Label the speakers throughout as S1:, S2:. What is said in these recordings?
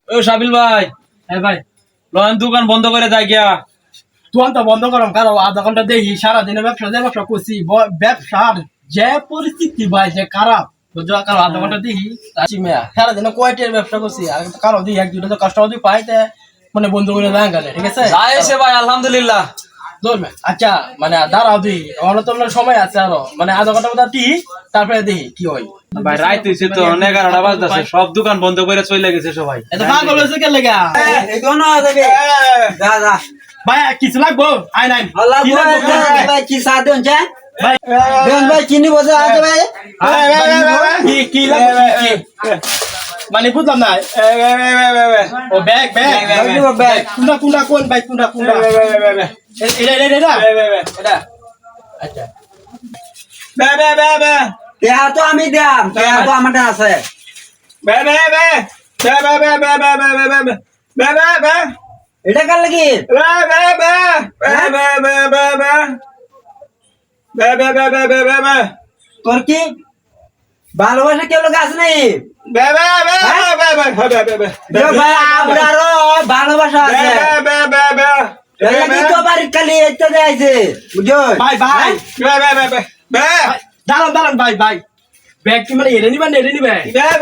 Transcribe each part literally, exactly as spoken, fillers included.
S1: ও শাবিল ভাই,
S2: হ্যাঁ ভাই,
S1: লন দোকান বন্ধ করে যাই গিয়া।
S2: তুই তো বন্ধ করম কারো আধা ঘন্টা দেখি সারাদিনে ব্যবসা যে ব্যবসা করছি ব- ব্যবসার যে পরিস্থিতি ভাই যে খারাপ বুঝছো, কারো আধা ঘন্টা দেখি আছি মেয়া সারাদিনে কয়টার ব্যবসা করছি আর কারো দিই এক দুটো কাস্টমার যদি পাই তে মানে বন্ধ করে দেন গেলে ঠিক আছে
S1: যাই এসে ভাই আলহামদুলিল্লাহ।
S2: ধরবে আচ্ছা মানে দাঁড়াও দিই আমার তো আপনার সময় আছে আরো মানে আধা ঘন্টা মতো দিই তারপরে দেখি কি হয়।
S1: ভাই রাইত হইছে তো এগারোটা বাজতেছে, সব দোকান বন্ধ করে চলে গেছে সবাই।
S2: এত পাগল হয়েছে কে লেগা
S3: এই কোন যাবে যা যা
S2: ভাই কিছু লাগবো আই নাই
S3: আল্লাহ
S2: কি লাগবো?
S3: ভাই কি সাথ দেন চা
S2: ভাই
S3: দেন ভাই চিনি বসে আছে ভাই
S2: কি কি লাগবে কি? মানে বুঝলাম না ও ব্যাগ ব্যাগ
S3: ব্যাগ ব্যাগ
S2: কুন্ডা কুন্ডা কোন ভাই কুন্ডা কুন্ডা এটা এটা এটা এটা আচ্ছা
S3: দেয়া তো আমি দেয়াম দেয়া তো আমারটা আছে এটা কার লাগি তোর কি ভালোবাসা কেউ লোক আছে নাই ভাই আপনারও ভালোবাসা আছে এটা কি তো বাড়ির খালি একটা দেয়াইছে বুঝছো
S2: ভাই ভাই দাঁড়ান দাঁড়ান ভাই ভাই ব্যাগ কি মানে এড়ে নিবেন এড়ে নিবেন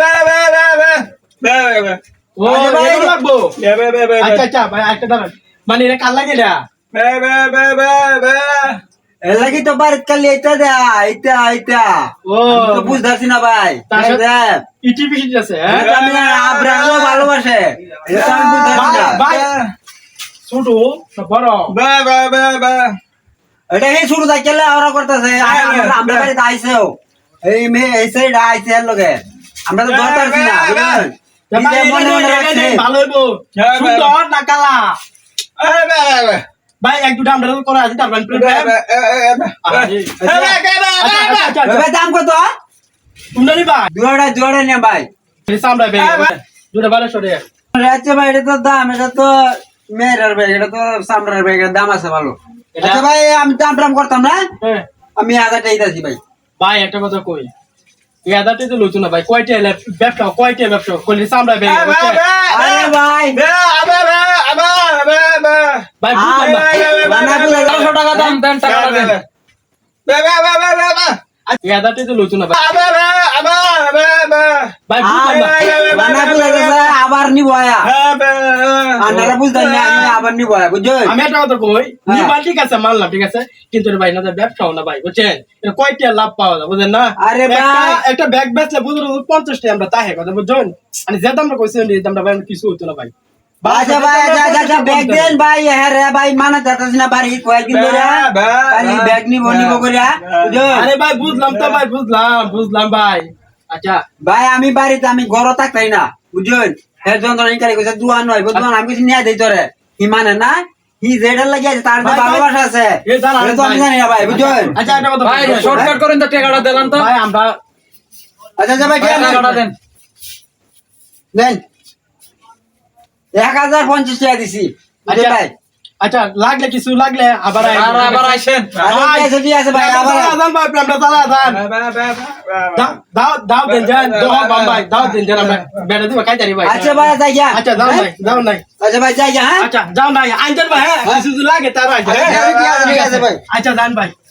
S2: ও এগুলো লাগবো আচ্ছা আচ্ছা ভাই একটা দাঁড়ান মানে এটা কার লাগে না
S3: এর লাগি তো বাড়ির খালি এটা দেয়া এটা এটা
S2: ও
S3: আমি তো বুঝতেছি না ভাই
S2: তার সাথে-
S3: দেখ,
S2: ইটি পিটি আছে হ্যাঁ
S3: এটা আমি আপনারও ভালোবাসে এটা তো আমি বুঝতেছি না
S2: ভাই ছোট না বড়
S3: এটা এই শুরু থেকে ওরা করতেছে আমরা বাড়িতে আইছেও এই মেয়ে এই সাইড আইছে এর লগে আমরা তো ধরতে পারছি না বুঝলেন
S2: তা ভাই,
S3: নিজে
S2: এটা
S3: মনে
S2: নেই,
S3: মনে
S2: এটা
S3: রাখছে।
S2: নেই, ভালো হইবো সুন্দর না কালা ভাই এক দুটা আমরা তো করা আছে তারপর
S3: এবার দাম কত
S2: তোমরা নিবা
S3: দুয়ারে দুয়ারে নে ভাই
S2: আমরা বেগে দুটা ভালো সরে
S3: আচ্ছা ভাই এটা তো দাম এটা তো মেয়ের ব্যাগ এটা তো সামরার ব্যাগ এর দাম আছে ভালো
S2: এটা-
S3: আচ্ছা ভাই আমি দাম টাম করতাম না
S2: হ্যাঁ
S3: আমি হাজারটা দিতেছি ভাই
S2: ভাই একটা কথা কই এই আদাতে তো লইতো না ভাই কয়টা এলে- ব্যবসা কয়টা ব্যবসা করলে আমরা বেগে
S3: আরে ভাই
S2: ভাই বুঝলাম না।
S3: বানা পুরো
S1: একশো টাকা দাম দেন, টাকাটা দেন।
S2: এই আদাতে তো লইতো না ভাই ভাই বুঝলাম না।
S3: বানা পুরো আবার নিব আয়া আপনারা বুঝতেন না আমি আবার নিব আয়া বুঝছেন
S2: আমি একটা কথা কই
S3: হ্যাঁ।
S2: নিবা ঠিক আছে মানলাম ঠিক আছে কিন্তু রে ভাই না ব্যবসাও না ভাই বুঝছেন এটা কয়টা লাভ পাওয়া যায় বুঝেন না
S3: আরে
S2: একটা-
S3: ভাই।
S2: একটা ব্যাগ বেচলে বুঝুন পঞ্চাশ টাকা আমরা তাহে কথা বুঝছেন মানে যে দামটা কইছেন এই দামটা ভাই কিছু হইতো না ভাই
S3: আচ্ছা ভাই আচ্ছা আচ্ছা, আচ্ছা ব্যাগ দেন ভাই হ্যাঁ রে ভাই মানা যাচ্ছে না বাড়ি কয়েকদিন ধরে খালি ব্যাগ নিব নিব করিয়া বুঝছেন
S2: আরে ভাই বুঝলাম তো ভাই বুঝলাম বুঝলাম ভাই আচ্ছা
S3: ভাই আমি বাড়িতে আমি ঘর থাকতাই না বুঝছেন হ্যাঁ যন্ত্রণা কারি কইছে দুয়া নয় বুঝছেন আমি কিছু নিয়ে দেই তোরে হি মানে না হি যেটা লাগি আছে তার যে
S2: ভাই, ভাই।
S3: ভালোবাসা আছে
S2: এ দাঁড়ান,
S3: এটা তো আমি
S2: ভাই।
S3: জানি না ভাই বুঝছেন
S2: আচ্ছা একটা কথা
S1: ভাই
S2: বলি।
S1: শর্টকাট করেন তো, টাকাটা দিলাম তো।
S2: ভাই আমরা
S3: আচ্ছা আচ্ছা ভাই
S1: ভাই,
S3: কেন
S1: টাকাটা দেন।
S3: দেন এক হাজার পঞ্চাশ টাকা দিছি বুঝছেন
S2: আচ্ছা।
S3: ভাই
S2: আচ্ছা লাগলে কিছু লাগলে আবার আই-
S1: আর আবার আইসেন।
S3: আরে
S2: ভাই,
S3: ঠিক আছে, ঠিক আছে ভাই আবার
S2: চালা যান ভাই আমরা চালা যান দাও দাও দাও দেন যান দাও বাম ভাই দাও দেন যান আমরা বেড়া দিবা কাই জানি ভাই
S3: আচ্ছা ভাই যাই যা
S2: আচ্ছা যাও ভাই যাও নাই
S3: আচ্ছা ভাই যাই যা হ্যাঁ
S2: আচ্ছা যাও নাই আইন যান ভাই হ্যাঁ কিছু যদি লাগে তার আইন
S3: আচ্ছা, ঠিক আছে, ঠিক আছে ভাই
S2: আচ্ছা যান ভাই